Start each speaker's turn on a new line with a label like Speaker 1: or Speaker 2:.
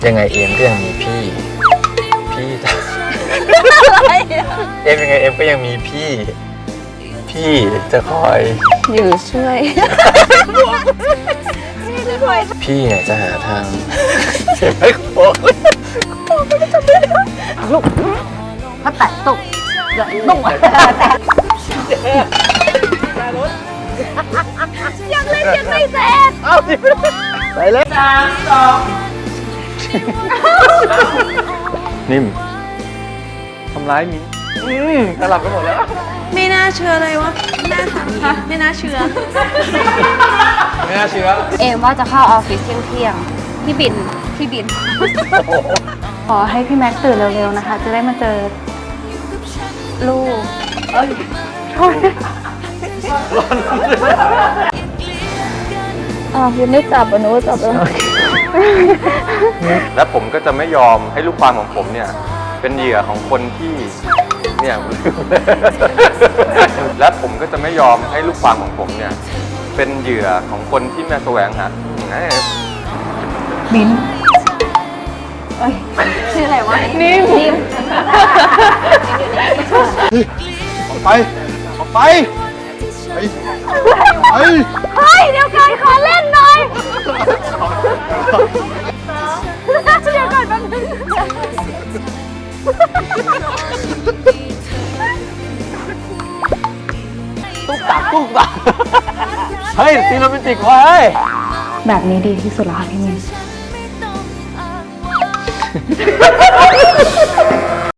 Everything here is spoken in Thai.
Speaker 1: ยังไงเอมก็ยังมีพี่เอมยังไงเอมก็ยังมีพี่จะคอย
Speaker 2: อยู่ช่วย
Speaker 1: พี่เนี่ยจะหาทางเสียไม่โค้ง
Speaker 2: ลูกถ้าแตะตุกเดี๋ยวตุ้งยังเล่นยังไม่เสร็จ
Speaker 1: เอาดิไปเลย3 2นิ่มทำร้ายมิ้นสลับกันหมดแล้ว
Speaker 2: ไม่น่าเชื่อเลยวะไม่น่าเชื่อเอมว่าจะเข้าออฟฟิศเที่ยงพี่บินขอให้พี่แม็กซ์ตื่นเร็วๆนะคะจะได้มาเจอลูกยังไม่จับอ่ะหนูจับแล้ว
Speaker 1: และผมก็จะไม่ยอมให้ลูกความของผมเนี่ยเป็นเหยื่อของคนที่เนี่ยและผมก็จะไม่ยอมให้ลูกความของผมเนี่ยเป็นเหยื่อของคนที่มาแสวงหา
Speaker 2: มิ้นชื่ออะไรวะนิ่ม
Speaker 3: ออกไปเ
Speaker 2: ฮ้ยเดี๋ยวก่อนขอเล่นหน่อยเดี๋ยวก่อนแป๊บนึง
Speaker 1: ตุ๊กตาเฮ้ยซีโรแมนติกว่ะเฮ้ย
Speaker 2: แบบนี้ดีที่สุดแล้วค่ะพี่มิ้น